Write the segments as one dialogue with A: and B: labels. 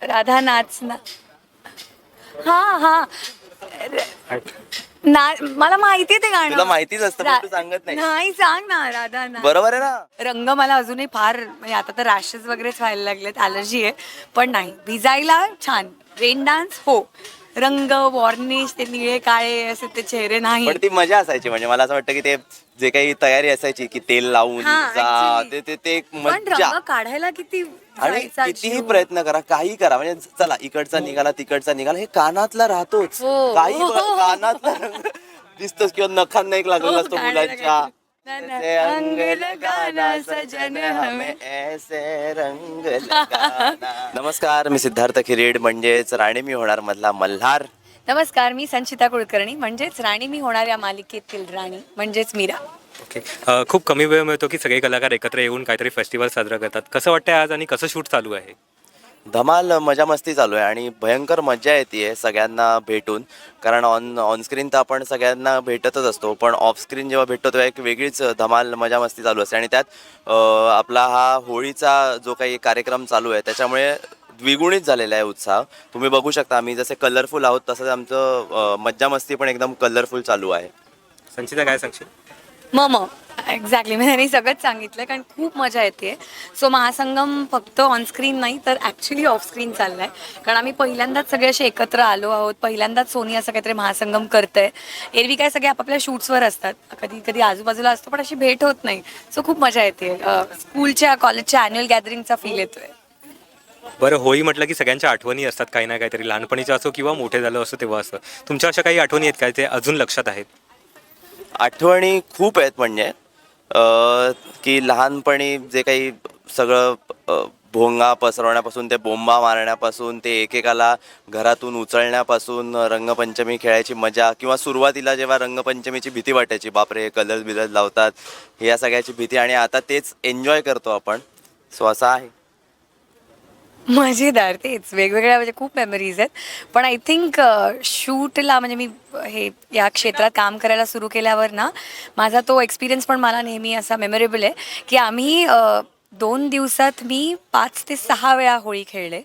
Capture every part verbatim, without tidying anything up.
A: राधा नाच ना. हा हा ना, मला माहिती ते गाणं.
B: तुला माहितीच असतं पण तू सांगत नाही.
A: नाही, सांग ना. राधा नाच.
B: बरोबर आहे ना.
A: रंग मला अजूनही फार म्हणजे आता तर रॅशेस वगैरेच व्हायला लागलेत, ॲलर्जी आहे. पण नाही, भिजायला छान. रेन डान्स हो. रंग वॉर्निश ते निळे काळे असे ते चेहरे नाही.
B: पण ती मजा असायची. म्हणजे मला असं वाटतं की ते जे काही तयारी असायची की तेल लावून
A: हा,
B: जा,
A: actually.
B: ते ते ते एक
A: पण
B: मज्जा.
A: रंग काढायला किती
B: आणि
A: जायचा
B: कितीही
A: जीव.
B: प्रयत्न करा, काही करा, म्हणजे चला इकडचा निघाला तिकडचा निघाला, हे कानातला राहतोच.
A: हो.
B: काही ब- कानातला रंग दिसतोच. किंवा नखांना एक लागलेला असतो
A: हो, गाणं
B: मुलांच्या.
A: लगायचं. ना, ना.
B: ऐसे
A: अंग लगाना
B: सजन
A: सजन
B: हमें
A: हमें.
B: ऐसे रंग लगाना. नमस्कार, मी सिद्धार्थ खिरेड म्हणजेच राणी मी होणार मधला मल्हार.
A: नमस्कार, मी संचिता कुलकर्णी म्हणजेच राणी मी होणार या मालिकेतील राणी म्हणजेच मीरा.
C: ओके. अ, खूप कमी वेळ मिळतो की सगळे कलाकार एकत्र येऊन काहीतरी फेस्टिवल साजरा करतात. कसं वाटतंय आज आणि कसं शूट चालू आहे?
B: धमाल मजा मस्ती चालू आहे आणि भयंकर मजा येते सगळ्यांना भेटून. कारण ऑन ऑनस्क्रीन तर आपण सगळ्यांना भेटतच असतो, पण ऑफस्क्रीन जेव्हा भेटतो तेव्हा एक वेगळीच धमाल मजा मस्ती चालू असते. आणि त्यात अ, आपला हा होळीचा जो काही कार्यक्रम चालू आहे त्याच्यामुळे द्विगुणित झालेला आहे उत्साह. तुम्ही बघू शकता, आम्ही जसे कलरफुल आहोत तसंच आमचं अ, मज्जा मस्ती पण एकदम कलरफुल चालू आहे.
C: संचिता काय सांगशील?
A: मम एक्झॅक्टली, मी त्यांनी सगळंच सांगितलं कारण खूप मजा येते. सो महासंगम फक्त ऑनस्क्रीन नाही तर ॲक्च्युली ऑफस्क्रीन चालला आहे. कारण आम्ही पहिल्यांदाच सगळे असे एकत्र आलो आहोत. पहिल्यांदाच सोनी असं काहीतरी महासंगम करतंय. एरवी काय सगळे आपापल्या शूट्सवर असतात, कधी कधी आजूबाजूला असतो पण अशी भेट होत नाही. सो खूप मजा येते. स्कूलच्या कॉलेजच्या ॲन्युअल गॅदरिंगचा फील येतोय.
C: बरं, होळी म्हटलं की सगळ्यांच्या आठवणी असतात काही ना काहीतरी, लहानपणीचं असो किंवा मोठे झालं असो तेव्हा असं. तुमच्या अशा काही आठवणी आहेत काय ते अजून लक्षात आहेत?
B: आठवणी खूप आहेत. म्हणजे अ, की लहानपणी जे काही सगळं अ, भोंगा पसरवण्यापासून ते बोंबा मारण्यापासून ते एकेकाला घरातून उचलण्यापासून रंगपंचमी खेळायची मजा, किंवा सुरुवातीला जेव्हा रंगपंचमीची भीती वाटायची, बापरे कलर्स बिलर्स लावतात, हे या सगळ्याची भीती, आणि आता तेच एन्जॉय करतो आपण. सो असं आहे.
A: मजेदार, तेच वेगवेगळ्या म्हणजे खूप मेमरीज आहेत. पण आय थिंक शूटला म्हणजे मी हे या क्षेत्रात काम करायला सुरू केल्यावर ना, माझा तो एक्सपिरियन्स पण मला नेहमी असा मेमोरेबल आहे की आम्ही अ, दोन दिवसात मी पाच ते सहा वेळा होळी खेळले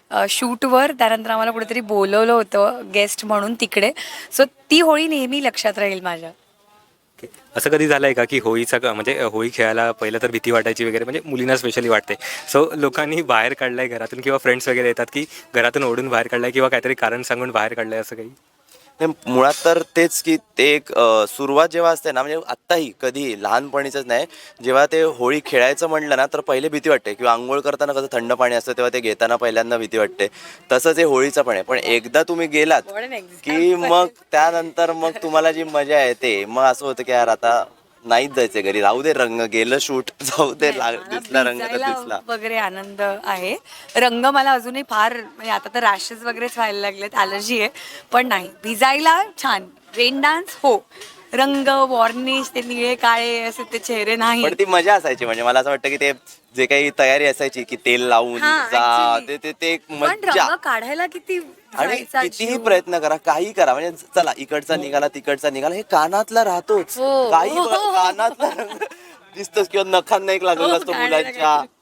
A: शूटवर. त्यानंतर आम्हाला कुठेतरी बोलवलं होतं गेस्ट म्हणून तिकडे. सो ती होळी नेहमी लक्षात राहील माझ्या.
C: ओके. असं कधी झालं आहे का की होळीचा क- म्हणजे होळी खेळायला पहिलं तर भीती वाटायची वगैरे, म्हणजे मुलींना स्पेशली वाटते, सो लोकांनी बाहेर काढलं आहे घरातून किंवा फ्रेंड्स वगैरे येतात की घरातून ओढून बाहेर काढलं आहे किंवा काहीतरी कारण सांगून बाहेर काढलं आहे असं काही?
B: हे मुळात तर तेच की ते एक अ, सुरुवात जेव्हा असते ना, म्हणजे आत्ताही कधी लहानपणीचंच नाही, जेव्हा ते होळी खेळायचं म्हणलं ना तर पहिले भीती वाटते. किंवा आंघोळ करताना कसं थंड पाणी असतं तेव्हा ते घेताना पहिल्यांदा भीती वाटते, तसंच हे होळीचं पण आहे. पण एकदा तुम्ही गेलात
A: What an
B: की
A: example.
B: मग त्यानंतर मग तुम्हाला जी मजा येते, मग असं होतं की यार आता नाहीच जायचं घरी, राहू दे, रंग गेलं शूट, जाऊ दे,
A: नाही,
B: लाग
A: मला
B: दिसला रंग तर
A: भिजायला
B: दिसला.
A: वगैरे आनंद आहे. रंग मला अजूनही फार म्हणजे आता तर रॅशेस वगैरेच व्हायला लागलेत, ॲलर्जी आहे. पण नाही, भिजायला छान. रेन डान्स हो. रंग वॉर्निश ते निळे काळे असे ते चेहरे नाही.
B: पण ती मजा असायची. म्हणजे मला असं वाटतं की ते जे काही तयारी असायची की तेल लावून
A: हा,
B: जा,
A: actually.
B: ते ते ते एक
A: पण
B: मज्जा.
A: रंग काढायला किती
B: आणि
A: जायचा
B: कितीही
A: जीव.
B: प्रयत्न करा, काही करा, म्हणजे चला इकडचा निघाला तिकडचा निघाला, हे कानातला राहतोच.
A: हो.
B: काही ब- कानातला रंग दिसतोच. किंवा नखांना एक लागलेला
A: हो,
B: असतो
A: गाणं
B: मुलांच्या.
A: लगायचं.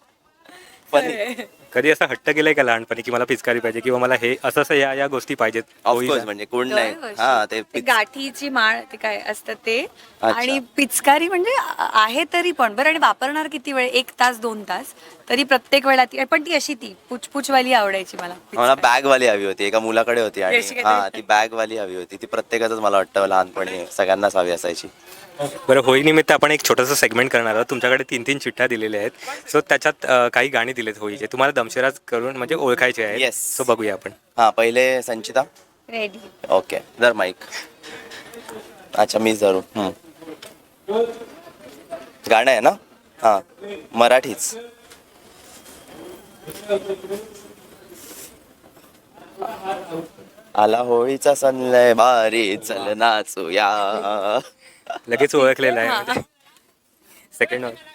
B: फनी.
A: खरंय.
C: कधी असं हट्ट केलं आहे का लहानपणी की मला पिचकारी पाहिजे किंवा मला हे असं असं या या गोष्टी पाहिजेत
B: ऑफकोर्स,
C: होळीला?
B: म्हणजे कोण नाही.
A: दरवर्षी
B: हा ते
A: ते
B: पिच-
A: गाठीची माळ ते काय असतं ते.
B: अच्छा.
A: आणि पिचकारी म्हणजे आ- आहे तरी पण बरं. आणि वापरणार किती वेळ, एक तास दोन तास तरी प्रत्येक वेळा ती. पण ती अशी ती पुचपुचवाली आवडायची मला
B: मला
A: पिचकारी.
B: बॅग वाली हवी होती, एका मुलाकडे होती. आणि
A: अशी काहीतरी.
B: हा ती बॅग वाली हवी होती. ती प्रत्येकाच मला वाटतं लहानपणी सगळ्यांनाच हवी असायची.
C: बरं, होळीनिमित्त आपण एक छोटंसं सेगमेंट करणार आहोत. तुमच्याकडे तीन तीन चिठ्ठ्या दिलेल्या आहेत, सो त्याच्यात अ, काही गाणी दिलेत होळीचे, तुम्हाला दमशेराज करून म्हणजे ओळखायचे आहेत.
B: येस.
C: सो बघूया आपण.
B: हा, पहिले संचिता.
A: रेडी.
B: ओके, जर माईक. अच्छा, मीच धरू. हम्म. गाणं आहे ना? हा, मराठीच. आला होळीचा सण लय भारी, चल नाचूया.
C: लगेच ओळखलेलं
A: हा.
C: आहे. Second one.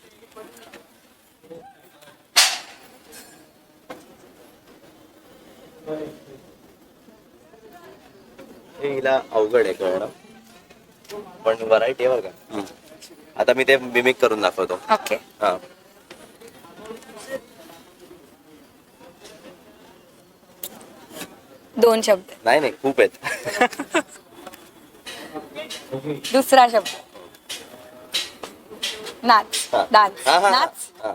B: हे हिला अवघड आहे कळणं, पण व्हरायटी आहे बरं का. हम्म. आता मी ते मिमिक करून दाखवतो.
A: ओके.
B: हा.
A: दोन शब्द.
B: नाही नाही खूप आहेत.
A: दुसरा शब्द नाच.
B: हा.
A: डान्स.
B: हा, हा, हा.
A: नाच.
B: हा.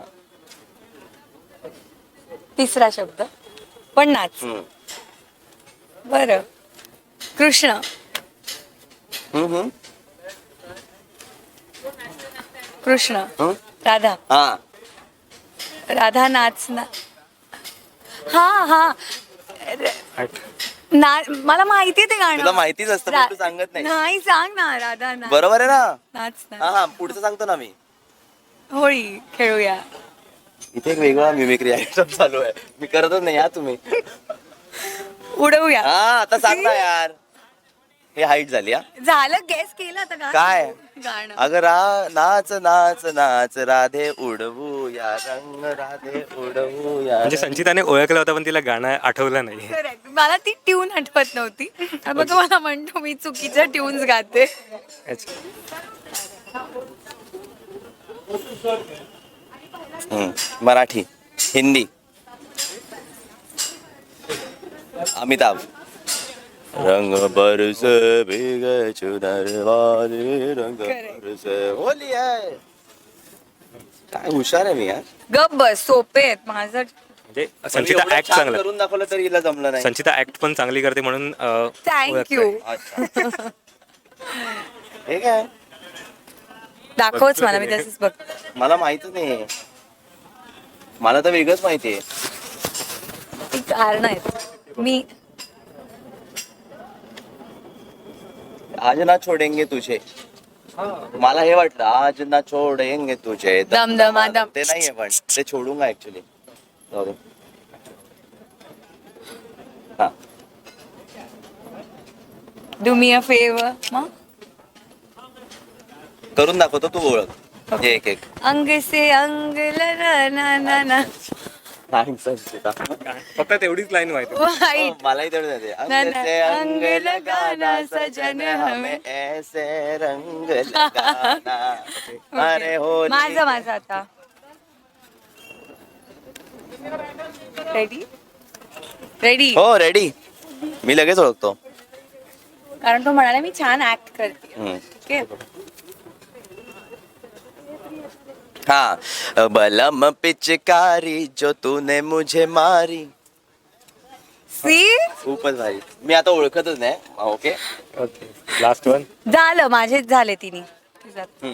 A: तिसरा शब्द पण नाच.
B: हम्म.
A: बरं. कृष्ण.
B: हम्म, हम्म.
A: कृष्ण.
B: हम्म.
A: राधा.
B: हा
A: राधा नाच ना. हा हा ना मला माहितीये ते गाणं.
B: तुला माहितीच असतं, पण
A: रा-
B: तू सांगत नाही.
A: नाही सांग ना. राधा नाच.
B: बरोबर आहे ना.
A: नाच
B: हा
A: ना.
B: हा पुढचं सांगतो ना मी.
A: होळी खेळूया.
B: इथे एक वेगळा मिमिक्री आयटम चालू आहे, मी करतच नाही. या तुम्ही.
A: उडवूया.
B: हा आता सांग ना यार. हे हाईट झाली हा.
A: झालं गेस केलं आता गा.
B: काय?
A: गाणं.
B: अगं रा नाच नाच नाच राधे उडवू या रंग राधे उडवू या
C: म्हणजे
B: रंग.
C: संचिताने ओळखलं होतं पण तिला गाणं आठवलं नाही.
A: Correct. मला ती ट्यून आठवत नव्हती. मग तुम्हाला म्हणतो मी चुकीच्या ट्यून्स गाते.
C: अच्छा.
B: हम्म. मराठी, हिंदी. अमिताभ. रंग बरसे भीगे चुनर वाले रंग
A: Correct.
B: बरसे होली आहे. काय हुशार आहे मी यार.
A: गप बस सोपे आहेत माझं.
C: म्हणजे संचिता
B: एवढं
C: ऍक्ट
B: छान
C: चांगला.
B: करून दाखवलं तरी हिला जमलं नाही.
C: संचिता ऍक्ट पण चांगली करते म्हणून अं,
A: थँक्यू.
C: ओळखतोय.
B: अच्छा. हे काय
A: दाखवच मला मी तसंच बघ.
B: मला माहितच नाही. मला तर वेगळंच माहितीये.
A: ती कारण आहेत. मी
B: आज ना छोडेंगे तुझे. मला हे वाटलं आज ना छोडेंगे तुझे.
A: दम दमा दम.
B: ते नाहीये पण ते छोडूंगा ऍक्च्युली. हा
A: डू मी अ फेवर. मग
B: करून दाखवतो, तू ओळख.
A: Okay.
B: एक एक
A: अंग से अंग लगा ना ना ना.
B: नाही संचिता.
C: फक्त तेवढीच लाईन माहिती.
A: वाईट.
B: हो, मलाही तेवढं जाते.
A: ना,
B: अंग
A: ना,
B: से अंग
A: अंग
B: लगाना
A: लगाना
B: सजन
A: सजन
B: हमें
A: हमें
B: ऐसे रंग लगाना. अरे हो
A: माझं माझं आता. Ready ready.
B: हो रेडी. मी लगेच ओळखतो.
A: कारण तो म्हणाला मी छान ऍक्ट करते.
B: हम्म.
A: ओके.
B: हाँ बलम पिचकारी जो तूने मुझे मारी.
A: सी
B: खूपच भारी. मी आता ओळखतच नाही. ओके.
C: Okay last one.
A: झालं माझेच झाले तिने.
B: हम्म.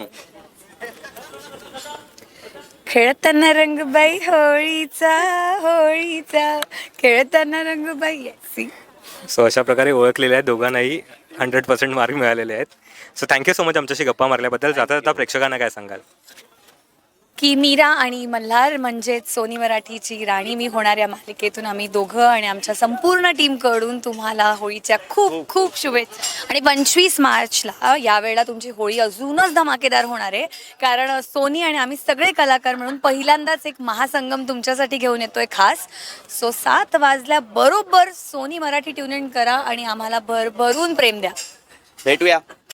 A: खेळताना रंगबाई होळीचा होळीचा खेळताना रंगबाई. सी
C: सो अशा प्रकारे ओळखलेले आहेत दोघांनाही हंड्रेड पर्सेंट मार्क मिळालेले आहेत. सो थँक्यू सो मच आमच्याशी गप्पा मारल्याबद्दल. जाता जाता प्रेक्षकांना काय सांगाल?
A: की मीरा आणि मल्हार म्हणजेच सोनी मराठीची राणी मी होणार या मालिकेतून आम्ही दोघं आणि आमच्या संपूर्ण टीमकडून तुम्हाला होळीच्या खूप खूप शुभेच्छा. आणि पंचवीस मार्चला यावेळेला तुमची होळी अजूनच धमाकेदार होणार आहे. कारण सोनी आणि आम्ही सगळे कलाकार म्हणून पहिल्यांदाच एक महासंगम तुमच्यासाठी घेऊन येतोय खास. सो सात वाजल्या बरोबर सोनी मराठी ट्यून इन करा आणि आम्हाला भरभरून प्रेम द्या.
B: भेटूया.